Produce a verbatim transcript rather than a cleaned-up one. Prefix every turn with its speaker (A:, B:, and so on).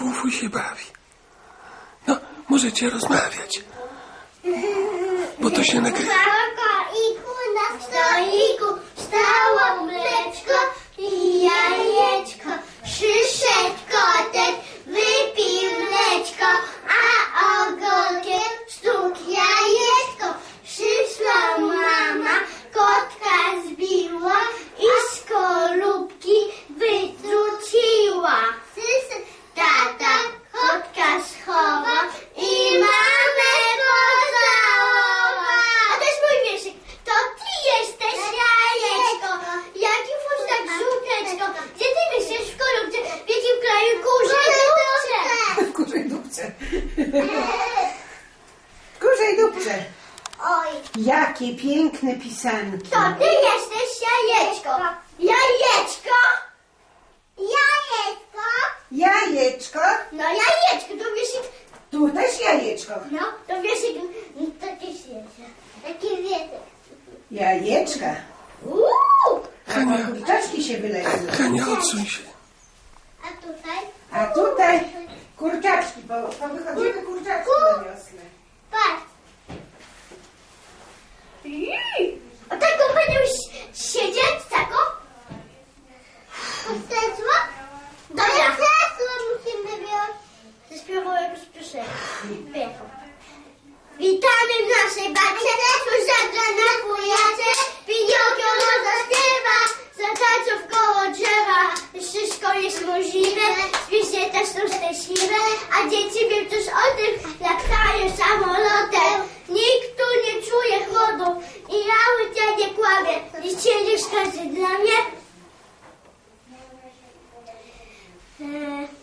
A: Fufuj się bawi. No, możecie rozmawiać. Bo to się nagrywa.
B: Na stoliku stało mleczko i jajeczko. Przyszedł kotek, wypił mleczko, a ogonkiem stuk jajeczko. Przyszła mama, kotka zbiła i z skorupki wytruciła. Tata kotka schowa i mamę pocałowa. A to jest mój wierszyk. To ty jesteś jajeczko, jaki fusztak żółteczko. Gdzie ty myślisz w skorupce, w jakim kraju kurzej dupce?
C: W kurzej dupce. W kurzej dupce.
B: Oj,
C: Jakie piękne pisanki.
B: to ty jesteś jajeczko. Jajeczko? Jajeczko?
C: Jajeczko.
B: No jajeczko, to wierszyk.
C: Tu też jajeczko.
B: No, to wierszyk taki świecie. Taki wietek.
C: Jajeczka.
B: Uuu!
C: A kurczaczki się wylezły.
A: Hania, odsuń się.
B: A tutaj?
C: A tutaj kurczaczki, bo powychodziły kurczaczki na wiosnę.
B: Patrz. A taką będą siedzieć, taką? Krzesło? Dobra. Krzesło musimy wziąć. Zaśpiewał jakąś piosenkę. Witamy w naszej bacie, słyszadra na wujacie, Piniokio no zaśpiewa, zatańczą w koło drzewa. Wszystko jest możliwe, zwierzę też są szczęśliwe, a dzieci wiem też o tym, latają samolotem. Nikt tu nie czuje chłodu i ja łycia nie kłamię, nie siedzisz każdy dla mnie. Eee.